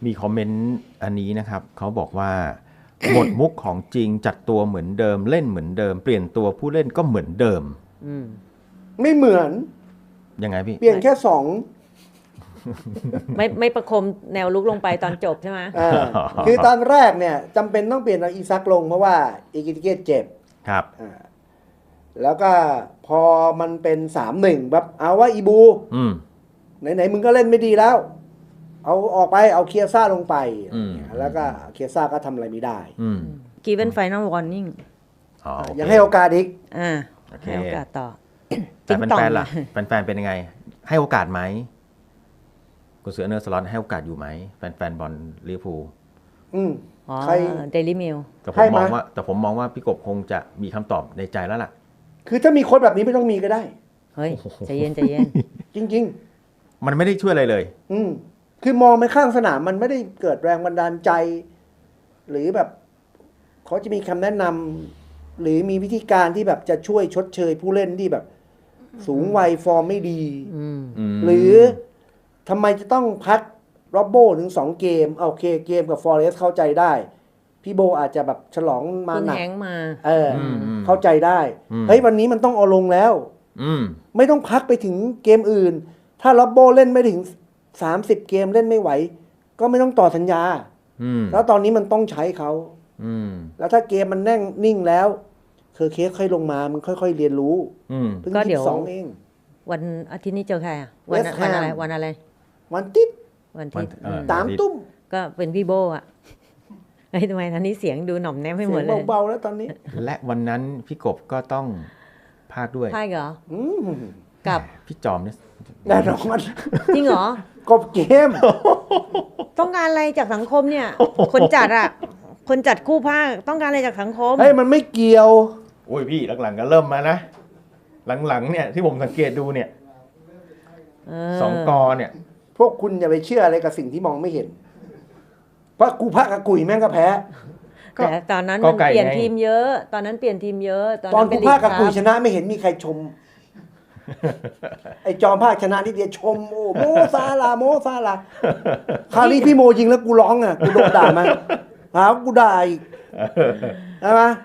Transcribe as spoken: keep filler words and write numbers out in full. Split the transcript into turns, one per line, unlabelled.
มีคอมเมนต์อันนี้นะครับเขาบอกว่า หมดมุกของจริงจัดตัวเหมือนเดิมเล่นเหมือนเดิมเปลี่ยนตัวผู้เล่นก็เหมือนเดิม
อืม
ไม่เหมือน
ยังไงพี่
เปลี่ยนแค่สอง
ไม่ไม่ประคมแนวลุกลงไปตอนจบใช่ไหม
อ่าคือตอนแรกเนี่ยจำเป็นต้องเปลี่ยนเอาอีซักลงเพราะว่าอีกิติเกตเจ็บ
ครับ
อ่าแล้วก็พอมันเป็นสามหนึ่งแบบเอาว่าอีบู
อืม
ไหนๆมึงก็เล่นไม่ดีแล้ว เอาออกไปเอาเคียซ่าลงไป
อืม
แล้วก็เคียซ่าก็ทำอะไรไม่ได้
อืม
given final warning
อ๋อโอเค
ยังให้โอกาสอีก
อ่า
โอเค
ให้โอกาสต่อ
แต่
ติ๊งต่อง
แฟนๆล่ะแฟนๆเป็นยังไง ให้โอกาสไหมคุณเสือเนอร์สล็อตให้โอกาสอยู่ไหมแฟนๆบอลลิเวอร์พูล
อืม
อ๋อ
ใคร
daily mail
แต่ผ
ให้
ม
มา
มองว่าแต่ผมมองว่าพี่กบคงจะมีคำตอบในใจแล้วล่ะ
คือถ้ามีโค้ชแบบนี้ไม่ต้องมีก็ได้
เฮ้ยใจเย็นใจเย็น
จริง
มันไม่ได้ช่วยอะไรเลย
ๆ อืมคือมองไปข้างสนามมันไม่ได้เกิดแรงบันดาลใจ หรือแบบเขาจะมีคำแนะนำหรือมีวิธีการที่แบบจะช่วยชดเชยผู้เล่นที่แบบ สูงวัยฟอร์มไม่ดี
อืม
ม
หรือทำไมจะต้องพักโรบโบถึงสองเกมโอเคเกมกับฟอเรสเข้าใจได้ พี่โบอาจจะแบบฉลองมา
คุณ
หนัก
แฮงค์มา
เอออ
มอืม
เข้าใจได้
อืม
เฮ้ยวันนี้มันต้องเอาลงแล้ว
อืม
ไม่ต้องพักไปถึงเกมอื่น ถ้าโรบโบเล่นไม่ถึงสามสิบเกมเล่นไม่ไหว ก็ไม่ต้องต่อสัญญา
อืม
แล้วตอนนี้มันต้องใช้เขา
อืม
แล้วถ้าเกมมันแน่งนิ่งแล้วเคอร์เคสค่อยลงมามันค่อย ๆ เรียนรู้
อืม
เพิ่ง
ก็เดี๋
ยี่
ยว
สิบสองเอง
วันอาทิตย์นี้เจอใครอ่ะ วัน
West
วัน
Ham
อะไรวันอะไร
วันติด
วัน
วั
ที่
นเออ
สามตุ้ม
ก็เป็นพี่โบอ่ะเฮ้ยทำไมทันนี้เสียงดูหน่อมแนมให้
เสี
หม
ย
ด
ง
เลย
เบาๆแล้วตอนนี้
และวันนั้นพี่กบก็ต้องพากด้วย
ใช่เหรอ
อืม
กับ
พี่จอมเนี่ย
แน่นอน
จริงเหรอ
กบเกม
ต้องการอะไรจากสังคมเนี่ย คนจัดอ่ะ คนจัดคู่ภาคต้องการอะไรจากสังคม
เฮ้ยมันไม่เกี่ยว
โอ้ยพี่หลังๆก็เริ่มมานะ หลังๆเนี่ยที่ผมสังเกตดูเนี่ย
เอ
สองกอเนี่ย
พวกคุณอย่าไปเชื่ออะไรกับสิ่งที่มองไม่เห็น เพราะกูพระกับกุยแม่งก็แพ้
แต่ตอนนั้น
ก็
มัน
ไก่
เปลี่ยน
ไง
ทีมเยอะ ตอนนั้นเปลี่ยนทีมเยอะ ตอน
ตอ
นั้น นเป็
กู
นลี
พากกับ
ค
กุย
รับ
ชนะไม่เห็นมีใครชม ไอจอมภาคชนะนิดเดียวชมโอ้โมซาลาโมซาลาคราวนี้พี่โมยิงแล้วกูร้องอ่ะกูโดนด่ามาหาว่ากูด่าอีกใช่ไหม